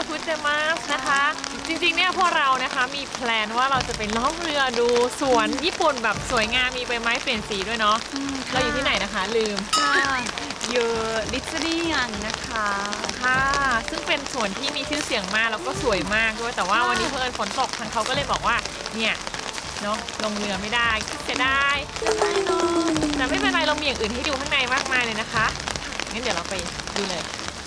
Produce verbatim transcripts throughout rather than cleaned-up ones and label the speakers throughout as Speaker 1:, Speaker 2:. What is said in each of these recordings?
Speaker 1: คุเจมัสนะคะจริงๆเนี่ยพวกเรานะคะมีแพลนว่าเราจะไปล่องเรือดูสวนญี่ปุ่นแบบสวยงามมีใบไม้เปลี่ยนสีด้วยเนาะเราอยู่ที่ไหนนะคะลืม
Speaker 2: ค่ะอยู่ลิซเลียนนะคะ
Speaker 1: ค่ะซึ่งเป็นสวนที่มีชื่อเสียงมากแล้วก็สวยมากด้วยแต่ว่าวันนี้เพิ่นฝนตกทางเขาก็เลยบอกว่าเนี่ยเนาะลงเรือไม่ได้เสียดายแต่ไม่เป็นไรเรามีอย่างอื่นให้ดูข้างในมากมายเลยนะคะงั้นเดี๋ยวเราไปดูเลย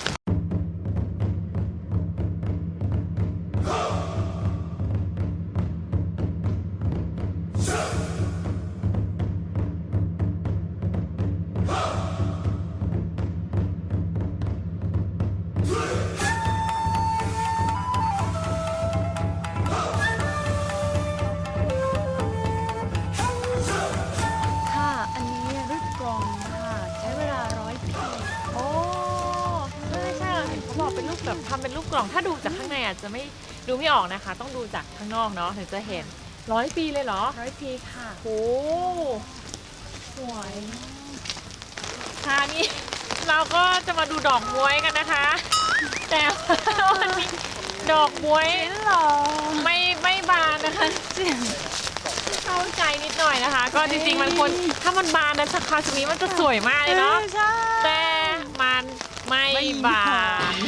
Speaker 1: แบบทำเป็นลูกกล่องถ้าดูจากข้างในอาจจะไม่ดูไม่ออกนะคะต้องดูจากข้างนอกเนาะถึงจะเห็นร้อยปีเลยเหรอ
Speaker 2: ร้อยปีค่ะ
Speaker 1: โอ้สวยค่ะนี่เราก็จะมาดูดอกบ๊วยกันนะคะแต่วันนี้ดอกบ๊วยไม่ไม่บานนะคะเข้าใจนิดหน่อยนะคะก็จริงๆมันควรถ้ามันบานนะสักคราวนี้มันจะสวยมากเลยเนาะแต่มันไม่บาน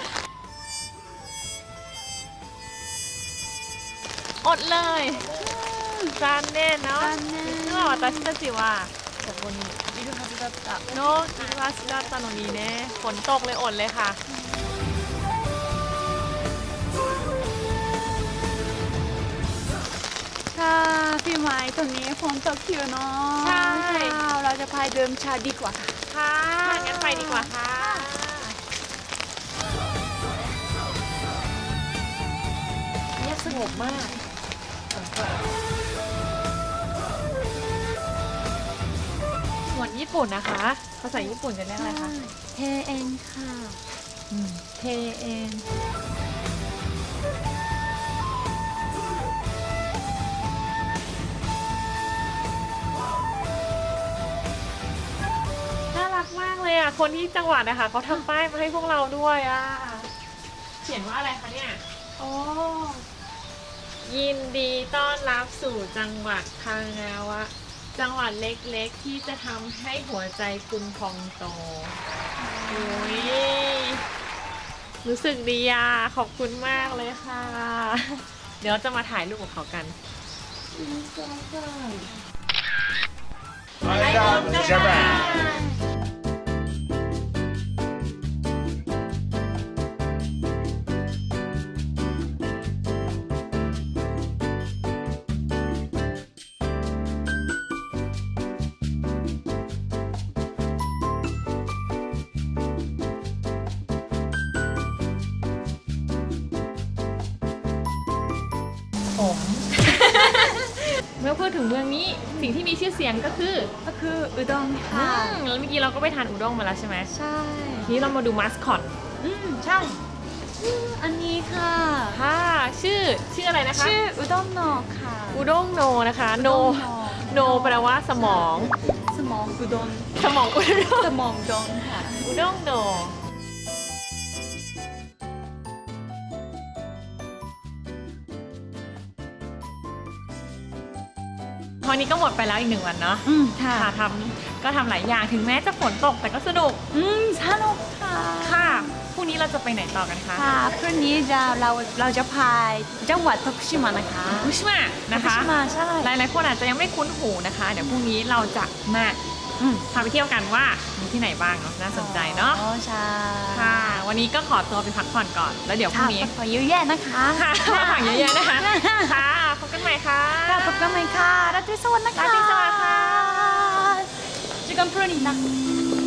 Speaker 1: อดเลยจานเน่เนาะนึกว่า私たちはここにいるはずだったเนาะいるはずだったのにねฝนตกเลยอดเลยค่ะ
Speaker 2: ค่ะพี่ไม้ตรงนี้ฝนตกอยู่เนาะ
Speaker 1: ใช่
Speaker 2: เราจะพายเดิมชาดีกว่า
Speaker 1: ค่ะงั้นไปดีกว่าค่ะเงียบสงบมากสวนญี่ปุ่นนะคะภาษาญี่ปุ่นจะเรียกอะไรคะ
Speaker 2: เทเอ็นค่ะ
Speaker 1: เทเอ็นน่ารักมากเลยอ่ะคนที่จังหวัดนะคะเขาทำป้ายมาให้พวกเราด้วยอ่ะเขียนว่าอะไรคะเนี่ยโอ้ยินดีต้อนรับสู่จังหวัดคางาวะจังหวัดเล็กๆที่จะทำให้หัวใจคุณพองโตโอ้ยรู้สึกดีอ่ะขอบคุณมากเลยค่ะเดี๋ยวจะมาถ่ายรูปกับเขากันไปกันจ้าเมื่อพูดถึงเมืองนี้สิ่งที่มีชื่อเสียงก็คือ
Speaker 2: ก็คืออุด้งค่ะ
Speaker 1: แล้วเมื่อกี้เราก็ไปทานอุด้งมาแล้วใช่ไหม
Speaker 2: ใช่
Speaker 1: ทีนี้เรามาดูมาสคอต
Speaker 2: อืมใช่อันนี้ค่ะ
Speaker 1: ค่ะชื่อชื่ออะไรนะคะ
Speaker 2: ชื่ออุด้งโนค่ะ
Speaker 1: อุด้งโนนะคะโนโนแปลว่าสมอง
Speaker 2: สมองอุด้ง
Speaker 1: สมองอุด้ง
Speaker 2: สมองดงค่ะ
Speaker 1: อุด้งโนวันนี้ก็หมดไปแล้วอีกหนึ่งวันเนาะ
Speaker 2: อืมค่ะ
Speaker 1: ทำก็ทำหลายอย่างถึงแม้จะฝนตกแต่ก็สนุก
Speaker 2: อืมสนุกค่ะ
Speaker 1: ค่ะพรุ่งนี้เราจะไปไหนต่อกันคะ
Speaker 2: ค่ะพรุ่งนี้จะเราเราจะพายจังหวัดโตคุชิมะนะคะ
Speaker 1: โตคุชิมะนะคะ
Speaker 2: ใช่
Speaker 1: หลายๆคนอาจจะยังไม่คุ้นหูนะคะเดี๋ยวพรุ่งนี้เราจะมาพาไปเที่ยวกันว่ามีที่ไหนบ้างเนาะน่าสนใจเนาะ
Speaker 2: อ๋อใช่
Speaker 1: ค่ะวันนี้ก็ขอตัวไปพักผ่อนก่อนแล้วเดี๋ยวพรุ่งนี้
Speaker 2: พักผ่อนเยอะแยะนะคะ
Speaker 1: ค่ะพักผ่อนเยอะๆนะคะค่ะพบกันใหม่ค่ะ
Speaker 2: ค่ะพบกันใหม่ค่ะราตรีสวัสดิ์นะคะ
Speaker 1: ราตรีสวัสดิ์ค่ะ
Speaker 2: เจอกันพรุ่งนี้นะ